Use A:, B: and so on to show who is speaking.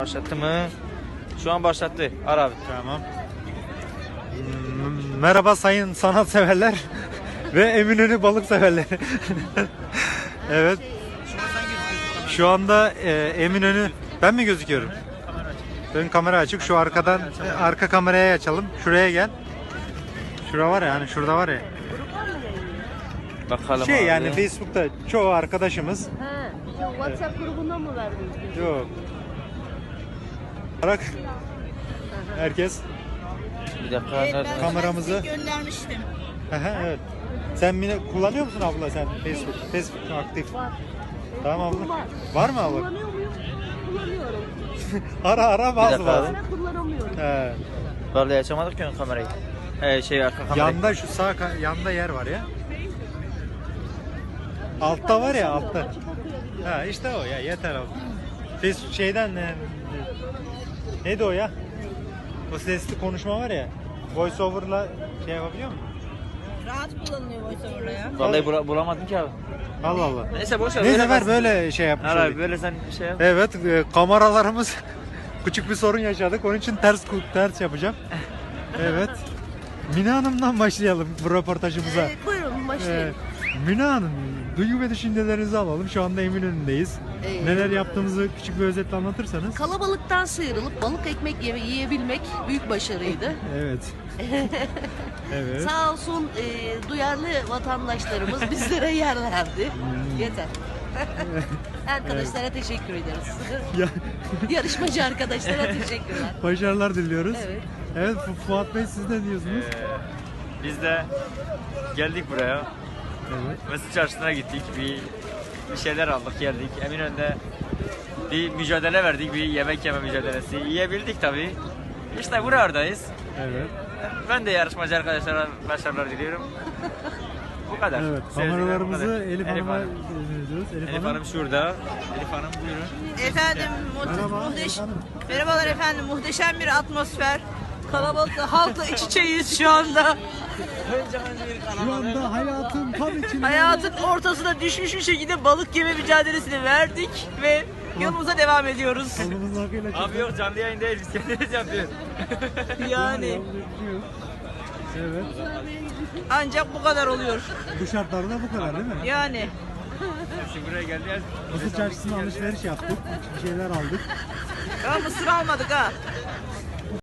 A: Başlattı mı? Şu an başlattı. Ara abi.
B: Tamam. Merhaba sayın sanatseverler ve Eminönü balık severleri. Evet. Şu anda Eminönü, ben mi gözüküyorum? Ön kamera açık. Şu arkadan arka kameraya açalım. Şuraya gel. Şura var ya, hani şurada var ya.
A: Bakalım
B: Şey
A: abi.
B: yani Facebook'ta çoğu arkadaşımız.
C: He, WhatsApp grubuna mı verdiniz?
B: Yok. Olarak herkes
A: Bir dakika. Nerede?
B: kameramızı.
D: Göndermiştim.
B: Evet. Sen kullanıyor musun abla sen Facebook? Facebook aktif. Tamam abla. Var mı abla?
C: Kullanıyor muyum? Kullanıyorum.
B: Ara bazı
A: dakika
B: bazı.
A: abi.
C: Ara kullanamıyorum.
B: He.
A: Vallahi açamadık ki ön kamerayı. Arka kamerayı.
B: Yanda şu sağ yanda yer var ya. Altta var ya altta.
C: Açıp okuyabiliyorum.
B: Ha işte o ya yeter abi. Facebook şeyden neydi o ya? O sesli konuşma var ya. Voice over'la şey yapabiliyor musun?
D: Rahat kullanılıyor VoiceOver'la ya.
A: Vallahi bulamadım ki abi.
B: Allah Allah.
A: Neyse boş ver.
B: Neyse ver
A: kalsın.
B: böyle şey yapmış
A: Ara abi
B: olayım.
A: böyle sen şey yap.
B: Evet, kameralarımız küçük bir sorun yaşadık. Onun için ters yapacağım. Evet. Mina Hanım'dan başlayalım bu röportajımıza.
C: Evet, buyurun başlayalım.
B: Mina Hanım, duygu ve düşüncelerinizi alalım. Şu anda Eminönü'ndeyiz. Neler yaptığımızı küçük bir özetle anlatırsanız.
C: Kalabalıktan sıyrılıp balık ekmek yiyebilmek büyük başarıydı.
B: Evet. Evet.
C: Sağ olsun duyarlı vatandaşlarımız bizlere yer verdi. Yeter. Arkadaşlara teşekkür ederiz.
B: Ya,
C: Yarışmacı arkadaşlara teşekkürler.
B: başarılar diliyoruz.
C: Evet.
B: Evet, Fuat Bey siz ne diyorsunuz?
A: Biz de geldik buraya.
B: Evet.
A: Mesut Çarşısı'na gittik. Bir şeyler aldık geldik. Eminönü'nde bir mücadele verdik. Bir yemek yeme mücadelesi. Yiyebildik tabii. İşte buradayız.
B: Evet.
A: Ben de yarışmacı arkadaşlara başarılar diliyorum. Bu kadar.
B: Evet.
A: Söyleyeceklerim bu
B: Kameralarımızı
A: kadar.
B: Elif Hanım'a
A: Hanım.
B: dönüyoruz.
A: Elif Hanım şurada. Elif Hanım buyurun.
D: Efendim,
B: Merhaba, Elif Hanım.
D: merhabalar efendim. Muhteşem bir atmosfer. Kalabalık halkla iç içeyiz şu anda.
B: Şu anda hayatın tam içinde.
D: Hayatın ortasına düşmüş bir şekilde balık yeme mücadelesini verdik ve yolumuza devam ediyoruz.
B: Kolumuzun hakkıyla
A: Abi yok canlı yayın değil biz kendimiz yapıyoruz.
D: Yani
B: Evet.
D: ancak bu kadar oluyor.
B: Bu şartlarda bu kadar değil mi?
D: Yani
A: Şimdi buraya geldik.
B: Mısır çarşısına alışveriş yaptık. Bir şeyler aldık.
D: ya mısır almadık ha.